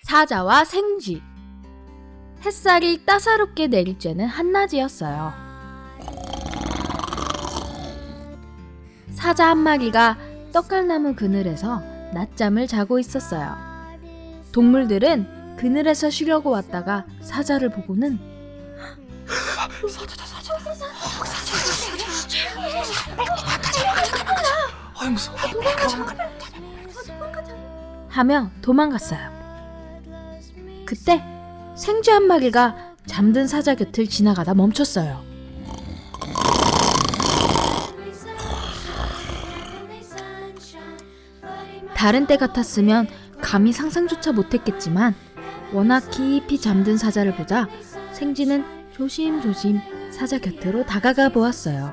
사자와 생쥐. 햇살이 따사롭게 내릴 때는 한낮이었어요. 사자 한 마리가 떡갈나무 그늘에서 낮잠을 자고 있었어요. 동물들은 그늘에서 쉬려고 왔다가 사자를 보고는 하며 도망갔어요. 그때 생쥐 한 마리가 잠든 사자 곁을 지나가다 멈췄어요. 다른 때 같았으면 감히 상상조차 못했겠지만 워낙 깊이 잠든 사자를 보자 생쥐는 조심조심 사자 곁으로 다가가 보았어요.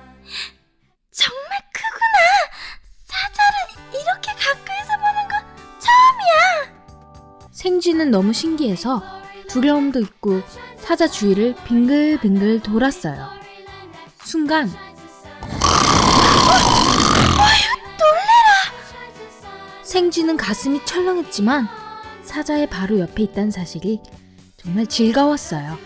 정말 크구나. 사자를 이렇게 가까이서 보는 거 처음이야. 생쥐는 너무 신기해서 두려움도 있고 사자 주위를 빙글빙글 돌았어요. 순간 생쥐는 가슴이 철렁했지만 사자의 바로 옆에 있다는 사실이 정말 즐거웠어요.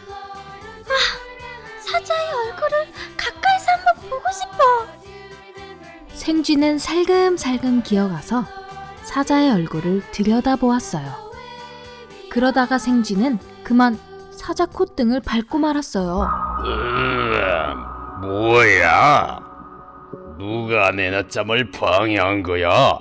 사자의 얼굴을 가까이서 한번 보고 싶어. 생쥐는 살금살금 기어가서 사자의 얼굴을 들여다보았어요. 그러다가 생쥐는 그만 사자 콧등을 밟고 말았어요. 뭐야? 누가 내 낮잠을 방해한 거야?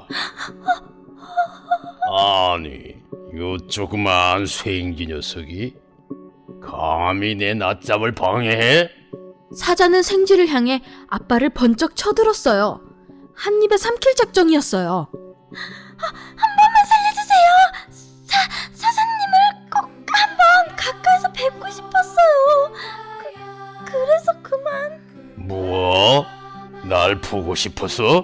아니, 요 조그만 쇠인기 녀석이 감히 내 낮잠을 방해해? 사자는 생쥐를 향해 앞발을 번쩍 쳐들었어요. 한 입에 삼킬 작정이었어요. 한 번만 살려주세요. 사자님을 꼭 한번 가까이서 뵙고 싶었어요. 그래서 그만. 뭐? 날 보고 싶어서?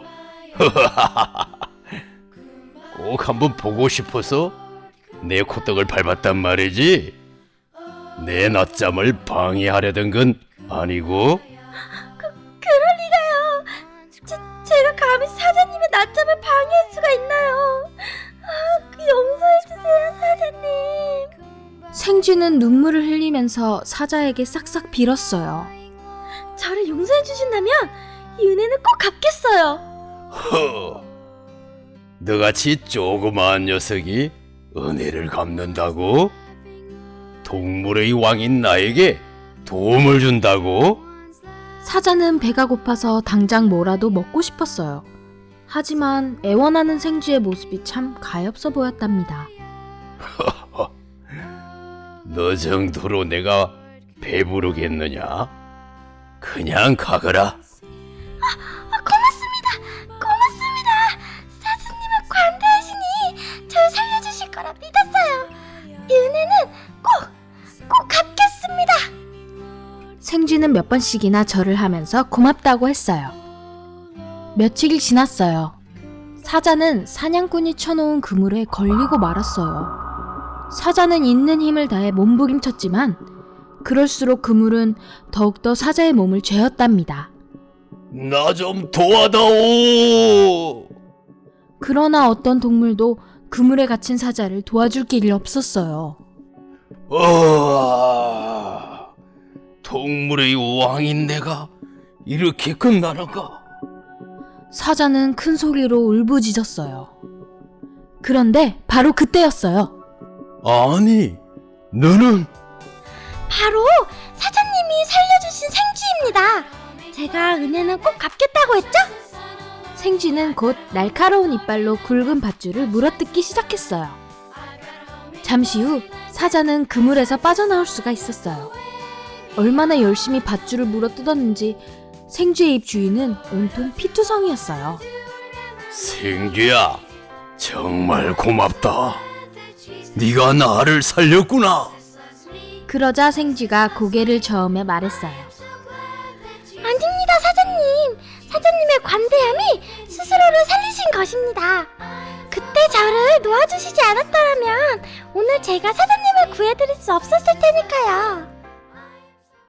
꼭 한번 보고 싶어서 내 콧등을 밟았단 말이지? 내 낮잠을 방해하려던 건 아니고? 그럴 리가요. 제가 감히 사자님의 낮잠을 방해할 수가 있나요? 용서해주세요, 사자님. 생쥐는 눈물을 흘리면서 사자에게 싹싹 빌었어요. 저를 용서해주신다면 이 은혜는 꼭 갚겠어요. 허, 너같이 조그마한 녀석이 은혜를 갚는다고? 동물의 왕인 나에게 도움을 준다고? 사자는 배가 고파서 당장 뭐라도 먹고 싶었어요. 하지만 애원하는 생쥐의 모습이 참 가엾어 보였답니다. 너 정도로 내가 배부르겠느냐? 그냥 가거라. 고맙습니다. 사자님은 관대하시니 절 살려주실 거라 믿었어요. 이 은혜는 꼭 갚겠습니다. 생쥐는 몇 번씩이나 절을 하면서 고맙다고 했어요. 며칠이 지났어요. 사자는 사냥꾼이 쳐놓은 그물에 걸리고 말았어요. 사자는 있는 힘을 다해 몸부림쳤지만 그럴수록 그물은 더욱더 사자의 몸을 죄었답니다. 나 좀 도와다오. 그러나 어떤 동물도 그물에 갇힌 사자를 도와줄 길이 없었어요. 동물의 왕인 내가 이렇게 끝나는가? 사자는 큰 소리로 울부짖었어요. 그런데 바로 그때였어요. 아니, 너는? 바로 사자님이 살려주신 생쥐입니다. 제가 은혜는 꼭 갚겠다고 했죠? 생쥐는 곧 날카로운 이빨로 굵은 밧줄을 물어뜯기 시작했어요. 잠시 후 사자는 그물에서 빠져나올 수가 있었어요. 얼마나 열심히 밧줄을 물어뜯었는지 생쥐의 입 주위는 온통 피투성이었어요. 생쥐야, 정말 고맙다. 네가 나를 살렸구나. 그러자 생쥐가 고개를 저으며 말했어요. 아닙니다, 사자님. 사자님의 관대함이 스스로를 살리신 것입니다. 그때 저를 놓아주시지 않았더라면 오늘 제가 사자님을 구해드릴 수 없었을 테니까요.